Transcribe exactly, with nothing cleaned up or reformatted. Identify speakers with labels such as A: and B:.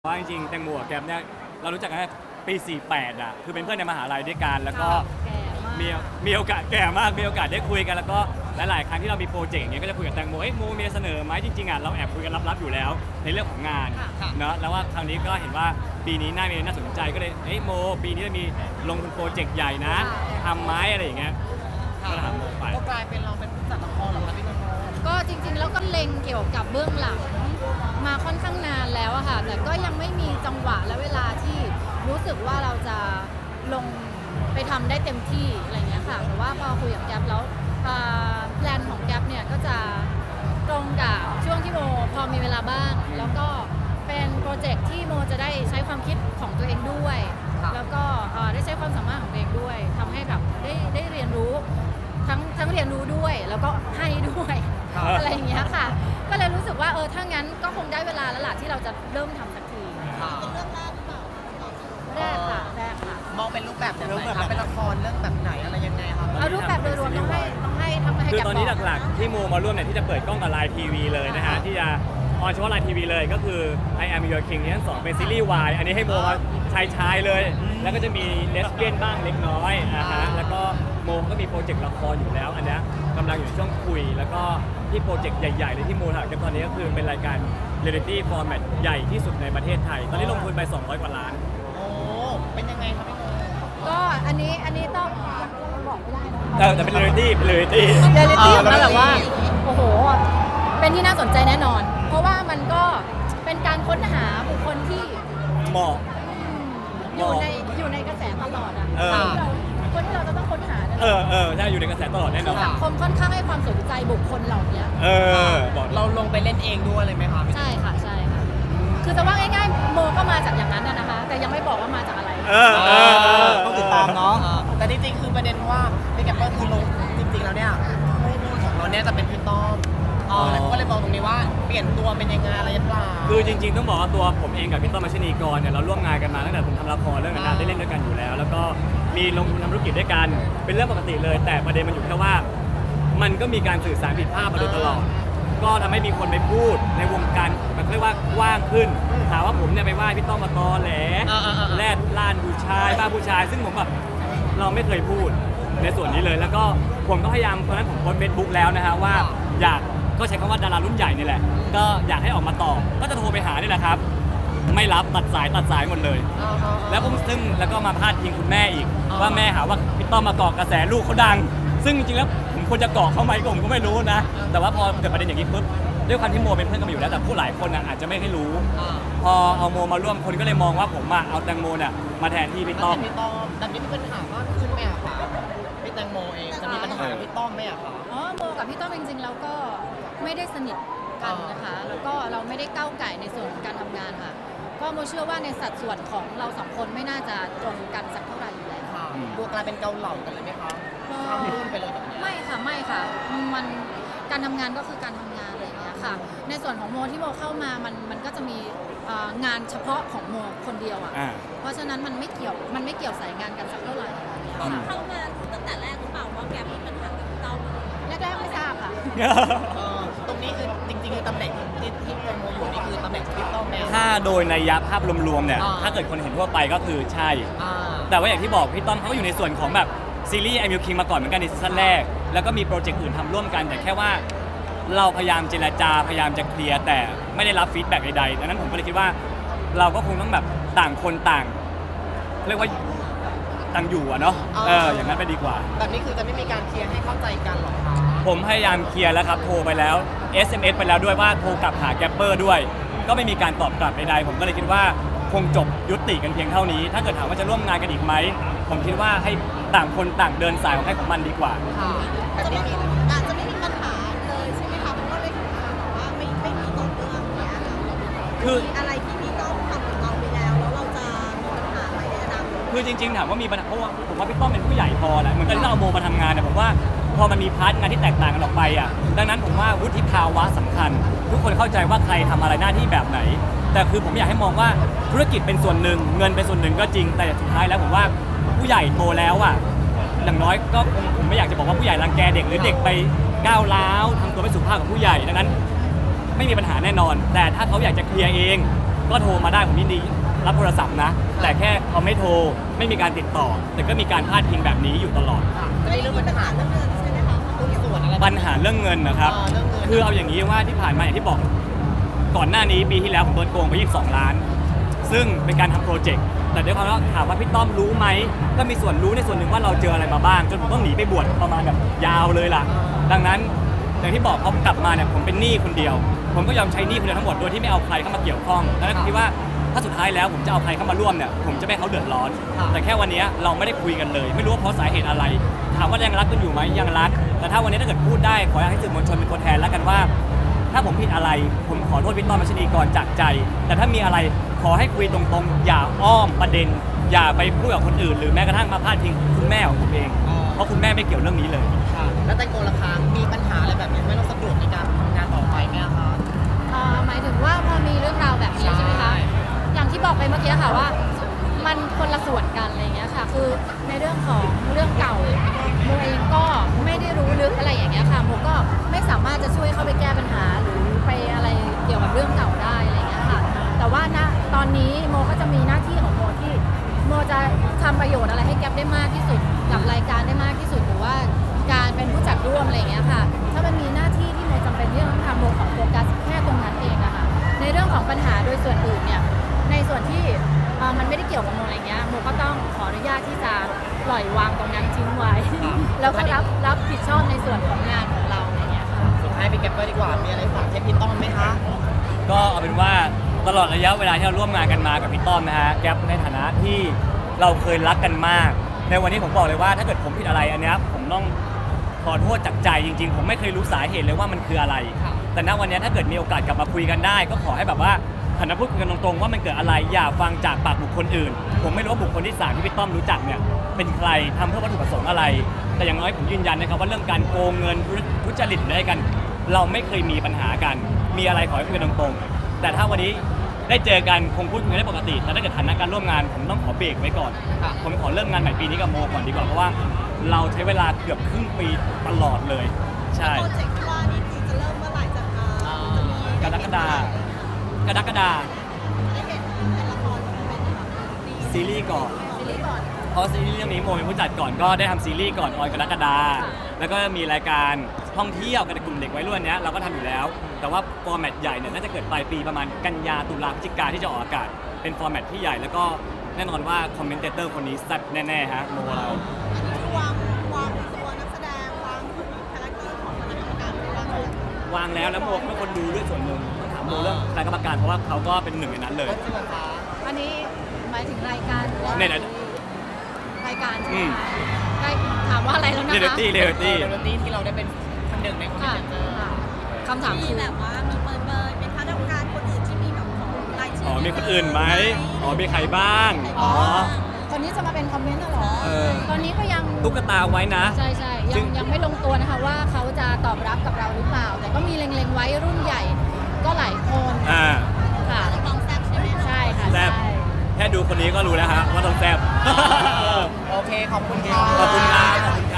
A: ว่าจริงๆแตงโมกับแกมเนี่ยเรารู้จักกันปีสี่สิบแปดอ่ะคือเป็นเพื่อนในมหาลัยด้วยกันแล้วก็มีมีโอกาสแก่มากมีโอกาสได้คุยกันแล้วก็หลายๆครั้งที่เรามีโปรเจกต์อย่างเงี้ยก็จะคุยกับแตงโมเอ้ยโมมีเสนอไหมจริงๆอ่ะเราแอบคุยกันลับๆอยู่แล้วในเรื่องของงานเนาะแล้วว่าคราวนี้ก็เห็นว่าปีนี้น่ามีน่าสนใจก็เลยเอ้ยโมปีนี้จะมีลงทุนโปรเจกต์ใหญ่นะทำไม้อะไรอย่างเงี้ยก็ถามโมไป
B: ก็กลายเป็นเราเป็นผู้จัดละครเหรอคะพี่โม
C: ก็จริงๆแล้วก็เล็งเกี่ยวกับเบื้องหลังมาค่อนข้างนานแล้วอะค่ะแต่ก็ยังไม่มีจังหวะและเวลาที่รู้สึกว่าเราจะลงไปทำได้เต็มที่อะไรเงี้ยค่ะแต่ว่าพอคุยกับแก๊ปแล้วแพลนของแก๊ปเนี่ยก็จะตรงกับช่วงที่โมพอมีเวลาบ้างแล้วก็เป็นโปรเจกต์ที่โมจะได้ใช้ความคิดของตัวเองด้วยแล้วก็ได้ใช้ความสามารถของตัวเองด้วยทำให้แบบได้ได้เรียนรู้ทั้งทั้งเรียนรู้ด้วยแล้วก็ให้ด้วยอะไรอย่างเงี้ยค่ะก็เลยรู้สึกว่าเออถ้างั้นก็คงได้เวลาแล้วล่ะที่เราจะเริ่มทำสักทีเป็นเรื่องแรกหรือเปล่าแรกค่ะแรกค่ะ
B: มองเป็นรูปแบบไหนคะเป็นละครเรื่องแบบไหนอะไรยังไงคะ
C: เอารูปแบบโดยรวมต้องให้ต้องให้ทำให้
A: คือตอนนี้หลักๆที่โมมาร่วมเนี่ยที่จะเปิดกล้องกับไลน์ทีวีเลยนะฮะที่จะออนเฉพาะไลน์ทีวีเลยก็คือ I Am Your King ที่ทั้งสองเป็นซีรีส์วายอันนี้ให้โมมาชายชายเลยแล้วก็จะมีเลสเบี้ยนบ้างเล็กน้อยนะฮะแล้วก็โมก็มีโปรเจกต์ละครอยู่แล้วอันนี้กำลังอยู่ในช่วงคุยแล้วก็ที่โปรเจกต์ใหญ่ๆเลยที่โมถ่ายกันตอนนี้ก็คือเป็นรายการเรียลลิตี้ฟอร์แมตใหญ่ที่สุดในประเทศไทยตอนนี้ลงทุนไปสองร้อยกว่าล้าน
B: โอ้เป็นยังไงครับพี่โม
C: ก็อันนี้อันนี้ต้องบอกไม่ได้นะ
A: แต่เป็นเรียลลิตี้เป็นเรียลลิตี้
C: เรียลลิตี้มาแบบว่าโอ้โหเป็นที่น่าสนใจแน่นอนเพราะว่ามันก็เป็นการค้นหาบุคคลที่
A: เหมาะ
C: อยู่ในอยู่ในกระแสตลอดอ่ะคนที่เราจะต้องค้นหา
A: เออเออใช่อยู่ในกระแสตลอดแน่นอน
C: สังคมค่อนข้างให้ความสนใจบุคคลเหล่านี้
A: เออบอก
B: เราลงไปเล่นเองด้วยเลยไหมคะ
C: ใช่ค่ะใช่ค่ะคือจะว่าง่ายๆโมก็มาจากอย่างนั้นนะคะแต่ยังไม่บอกว่ามาจากอะไร
A: เออเออ
B: ต้องติดตามเนาะแต่จริงๆคือประเด็นว่าพี่แกปเปอร์คือลงจริงๆแล้วเนี่ยคู่ของเราเนี่ยจะเป็นพี่ต้อมอ๋อแล้วก็เลยมองตรงนี้ว่าเปลี่ยนตัวเป็นยังไงอะไรหรือเปล่า
A: คือจริงๆต้องบอกว่าตัวผมเองกับพี่ต้อมมัชนีกรเนี่ยเราร่วมงานกันมาตั้งแต่ผมทำละครเรื่องงานได้เล่นด้วยกันอยู่แล้วแล้วก็มีลงทุนทำธุรกิจด้วยกันเป็นเรื่องปกติเลยแต่ประเด็นมันอยู่แค่ว่ามันก็มีการสื่อสารผิดพลาดมาโดยตลอดก็ทำให้มีคนไปพูดในวงการมันเรียกว่ากว้างขึ้นถามว่าผมเนี่ยไปว่าพี่ต้อมมาตอแหลแลดล้านผู้ชายบ้าผู้ชายซึ่งผมแบบเราไม่เคยพูดในส่วนนี้เลยแล้วก็ผมก็พยายามตอนนั้นผมโพสต์เฟซบุ๊กแล้วนะฮะว่าอยากก็ใช้คำว่าดารารุ่นใหญ่นี่แหละก็อยากให้ออกมาตอบก็จะโทรไปหานี่แหละครับไม่รับตัดสายตัดสายหมดเลยแล้วผมซึ่งแล้วก็มาพาดพิงคุณแม่อีกว่าแม่หาว่าพี่ต้อมมาเกาะกระแสลูกเขาดังซึ่งจริงๆแล้วผมควรจะเกาะเขาไหมผมก็ไม่รู้นะแต่ว่าพอเกิดประเด็นอย่างนี้ปุ๊บด้วยความที่โมเป็นเพื่อนกันมาอยู่แล้วแต่ผู้หลายคนอาจจะไม่ให้รู้พอเอาโมมาร่วมคนก็เลยมองว่าผมเอาแตงโมเนี่ยมาแทนที่พี่ต้อม
B: พี่ต้อมแต่นี่มีปัญหาว่าขึ้นไหมอะคะพี่แตงโมเองจะมีปัญหากับพี่ต้อมไหมอะคะ
C: อ๋อโมกับพี่ต้อมจริงๆแล้วก็ไม่ได้สนิทกันนะคะแล้วก็เราไม่ได้ก้าวไก่ในส่วนของการทำงานค่ะก็โมเชื่อว่าในสัดส่วนของเราสองคนไม่น่าจะตรงกันสักเท่าไหร่อยู่แล้ว
B: ค่ะดูกลายเป็นเกาเหลากันเลยไหมคะข้ามรุ่นไปเลยแบบนี้
C: ไม่ค่ะไม่ค่ะมันการทำงานก็คือการทำงานอะไรอย่างเงี้ยค่ะในส่วนของโมที่โมเข้ามามันมันก็จะมีงานเฉพาะของโมคนเดียวอ่ะเพราะฉะนั้นมันไม่เกี่ยวมันไม่เกี่ยวสายงานกันสักเท่าไหร่
D: เข้ามาตั้งแต่แรกหรือเปล่าว่าแกมีปัญหากับเรา
C: แรกๆไม่ทราบค่ะ
B: ตรงนี้คือจริงๆคือตำแหน่งที่ที่แตงโมอยู่นี่คือตำแหน่งพี่ต้อมแม่
A: ถ้าโดยนัยยะภาพรวมๆเนี่ยถ้าเกิดคนเห็นทั่วไปก็คือใช่แต่ว่าอย่างที่บอกพี่ต้อมเขาอยู่ในส่วนของแบบซีรีส์ไอมิวคิงมาก่อนเหมือนกันในซีซั่นแรกแล้วก็มีโปรเจกต์อื่นทำร่วมกันแต่แค่ว่าเราพยายามเจรจาพยายามจะเคลียร์แต่ไม่ได้รับฟีดแบ็กใดๆดังนั้นผมก็เลยคิดว่าเราก็คงต้องแบบต่างคนต่างเรียกว่าต่างอยู่อะเนาะเอออย่างนั้นไปดีกว่า
B: แบบนี้คือจะไม่มีการเคลียร์ให้เข้าใจกันหรอคะ
A: ผมพยายามเคลียร์แล้วครับโทรไปแล้ว เอส เอ็ม เอส ไปแล้วด้วยว่าโทรกลับหาแกปเปอร์ด้วยก็ไม่มีการตอบกลับใดๆผมก็เลยคิดว่าคงจบยุติกันเพียงเท่านี้ถ้าเกิดถามว่าจะร่วมงานกันอีกไหมผมคิดว่าให้ต่างคนต่างเดินสายของใครของมันดีกว่า
D: จะไม่มีอาจจะไม่มีปัญหาเลยใช่ไหมคะเพราะว่าได้ทำงานแบบว่าไม่ไม่มีต้นเรื่องเนี้ยคืออะไรที่พี่ต้อมทำกับเราไปแล้วแล้วเราจะมีปัญหาอะไรในอนาคต
A: คือจริงๆถามว่ามีปัญหาเพราะว่าผมว่าพี่ต้อมเป็นผู้ใหญ่พอแหละเหมือนกันที่เราเอาโมมาทำงานเนี่ยผมว่าพอมันมีพาร์ทงานที่แตกต่างกันออกไปอ่ะดังนั้นผมว่าวุฒิภาวะสำคัญทุกคนเข้าใจว่าใครทำอะไรหน้าที่แบบไหนแต่คือผมอยากให้มองว่าธุรกิจเป็นส่วนหนึ่งเงินเป็นส่วนหนึ่งก็จริงแต่สุดท้ายแล้วผมว่าผู้ใหญ่โตแล้วอ่ะอย่างน้อยก็ผมไม่อยากจะบอกว่าผู้ใหญ่รังแกเด็กหรือเด็กไปก้าวร้าวทำตัวไม่สุภาพกับผู้ใหญ่ดังนั้นไม่มีปัญหาแน่นอนแต่ถ้าเขาอยากจะเคลียร์เองก็โทรมาได้ผมยินดีรับโทรศัพท์นะ แต่แค่เขาไม่โทรไม่มีการติดต่อ แต่ก็มีการพาดพิงแบบนี้อยู่ตลอด
B: ค่ะจะมีเรื่องปัญหา
D: เรื่องเงินใช่ไหมคะ
B: หุ้นส่วนอะไร
A: ปัญหาเรื่องเงินนะครับ
B: อ่าเรื่องเงิน
A: คือเอาอย่างนี้ว่าที่ผ่านมาอย่างที่บอกก่อนหน้านี้ปีที่แล้วผมโดนโกงไปยี่สิบสองล้าน ซึ่งเป็นการทำโปรเจกต์แต่ด้วยความว่าถามว่าพี่ต้อมรู้ไหมก็มีส่วนรู้ในส่วนหนึ่งว่าเราเจออะไรมาบ้างจนผมต้องหนีไปบวชประมาณแบบยาวเลยล่ะ ดังนั้นอย่างที่บอกพอกลับมาเนี่ยผมเป็นหนี้คนเดียว ผมก็ยอมใช้หนี้คนเดียวทั้งหมดโดยที่ไม่เอาใครเข้ามาเกี่ยวข้องแล้วก็คิดว่าถ้าสุดท้ายแล้วผมจะเอาใครเข้ามาร่วมเนี่ยผมจะไม่ให้เขาเดือดร้อน แต่แค่วันนี้เราไม่ได้คุยกันเลย ไม่รู้ว่าเพราะสาเหตุอะไร ถามว่ายังรักกันอยู่ไหมยังรักแต่ถ้าวันนี้ถ้าเกิดพูดได้ขอให้สื่อมวลชนเป็นตัวแทนแล้วกันว่า ถ้าผมผิดอะไรผมขอโทษพี่ต้อมมัชนีก่อนจากใจ แต่ถ้ามีอะไรขอให้คุยตรงๆอย่าอ้อมประเด็น อย่าไปพูดกับคนอื่นหรือแม้กระทั่งมาพาดพิงคุณแม่ของผมเองเพราะคุณแม่ไม่เกี่ยวเรื่องนี้เลย
B: ค่ะแล้วแตงโมล่ะคะมีปัญหาอะไรแบบนี้ไม่ต้องสะดวกในการทำงานต่อไปไหมคะ
C: เอ่อหมายถึงว่าพอมีเรื่องราวแบบนี้ใช่ไหมคะ อย่างที่บอกไปเมื่อกี้ค่ะว่า มันคนละส่วนกันอะไรอย่างเงี้ยค่ะ คือในเรื่องของเรื่องเก่าโมเองก็ไม่ได้รู้ลึกอะไรอย่างเงี้ยค่ะโมก็ไม่สามารถจะช่วยเข้าไปแก้ปัญหาหรือไปอะไรเกี่ยวกับเรื่องเก่าได้อะไรอย่างเงี้ยค่ะ แต่ว่าณตอนนี้โมก็จะมีหน้าที่ของโมที่โมจะทำประโยชน์อะไรให้แก๊ปได้มากที่สุดกับรายการได้มากที่สุดหรือว่าการเป็นผู้จัดร่วมอะไรอย่างเงี้ยค่ะ ถ้ามันมีหน้าที่ที่โมจำเป็นที่ต้องทำโมขอโฟกัสแค่ตรงนั้นเองอะค่ะ ในเรื่องของปัญหาโดยส่วนอื่นเนี่ย ในส่วนที่เอ่อมันไม่ได้เกี่ยวกับโมอะไรเงี้ยโมก็ต้องขออนุญาตที่จะปล่อยวางตรงนั้นทิ้งไว้ แล้วก็รับรับผิดชอบในส่วนของงานของเราอะไรเงี้ยค่ะ
B: สุดท้ายพี่แกปเปอร์ดีกว่ามีอะไรฝากเทปพี่ต้อมไหมคะ
A: ก็เอาเป็นว่าตลอดระยะเวลาที่เราร่วมงานกันมากับพี่ต้อมนะฮะแก๊ปในฐานะที่เราเคยรักกันมาก ในวันนี้ผมบอกเลยว่าถ้าเกิดผมผิดอะไรอันเนี้ยผมต้องขอโทษจากใจจริงๆ ผมไม่เคยรู้สาเหตุเลยว่ามันคืออะไร แต่ณวันนี้ถ้าเกิดมีโอกาสกลับมาคุยกันได้ ก็ขอให้แบบว่าหันมาพูดกันตรงๆว่ามันเกิดอะไรอย่าฟังจากปากบุคคลอื่น ผมไม่รู้ว่าบุคคลที่สามที่พี่ต้อมรู้จักเนี่ยเป็นใครทำเพื่อวัตถุประสงค์อะไร แต่อย่างน้อยผมยืนยันนะครับว่าเรื่องการโกงเงินทุจริตหรืออะไรกัน เราไม่เคยมีปัญหากัน มีอะไรขอให้คุยกันตรงๆแต่ถ้าวันนี้ได้เจอกันคงพูดกันได้ปกติแต่ถ้าเกิดฐานะการร่วมงานผมต้องขอเบรกไว้ก่อนผมขอเริ่มงานใหม่ปีนี้กับโมก่อนดีกว่าเพราะว่าเราใช้เวลาเกือบครึ่งปีตลอดเลยใช่
D: โปรเจกต์ที่ว่านี่คือจะเริ่มเมื่อไหร่จะอ่าจะมี
A: กรกฎากรกฎา
D: ได้เห็นเป็นละครเป็นอะไรคะดี
A: ซีรีส์ก่อน
C: ซีรีส์ก่อน
A: เพราะซีรีส์เรื่องนี้โมเป็นผู้จัดก่อนก็ได้ทำซีรีส์ก่อนออนกรกฎาแล้วก็มีรายการท่องเที่ยวกับกลุ่มเด็กวัยรุ่นเนี้ยเราก็ทำอยู่แล้ว แต่ว่าฟอร์แมตใหญ่เนี่ยน่าจะเกิดปลายปีประมาณกันยาตุลาพฤศจิกาที่จะออกอากาศเป็นฟอร์แมตที่ใหญ่แล้วก็แน่นอนว่าคอมเมนเตอร์คนนี้แซ่บแน่ๆฮะโมเรา
D: อันนี้คือวางวางตัวนักแสดงวางคาแรคเตอร์ของคณะกรรมการไว้ว่าไง
A: วางแล้วแล้วโมเป็นคนดูด้วยส่วนหนึ่งต้องถามโมเรื่องคณะกรรมการเพราะว่าเขาก็เป็นหนึ่งในนั้นเลย
B: ก็จริงเหรอคะ
C: อันนี้หมายถึงรายการหรือว่า
A: เนี่ย
C: รายการใช่ไห
A: อื
C: ม
A: ม
C: คะรายถามว่าอะไรแล้วนะ
A: เรเด
C: คะ
A: ตี้เรเดตี้
B: เรตี้ที่เราได้เป็นคนหนึ่งในคอมเม
C: ค่ะ
B: นเตอร์
C: ค่ะคำถาม
D: มี
C: คือ
D: แบบว่ามีเปิดเบยเป็นคณะกรรมการคนอื่นที่มีแบบของรายชื่
A: อ๋อมีคนอื่นไหมอ๋อมีใครบ้างอ๋อ
C: คนนี้จะมาเป็นคอมเมนต์น่ะเหรอ
A: เออ
C: ตอนนี้ก็ยัง
A: ตุ๊กตาไว้นะ
C: ใช่ใช่ยั
A: ซึ่
C: ง
A: ง
C: ยังไม่ลงตัวนะคะว่าเขาจะตอบรับกับเราหรือเปล่า แต่ก็มีเล็งๆไว้รุ่นใหญ่ ก็หลายคน
A: อ่า
C: ค่ะ
D: น้องแซ่บใช่ไหมคะ
C: ใช่ค่ะ
A: แซ่บ
C: ใช่
A: แค่ดูคนนี้ก็รู้แล้วฮะว่าต้องแซ่บ
B: โอเค ขอบคุณค่ะ
A: ขอบคุณครับ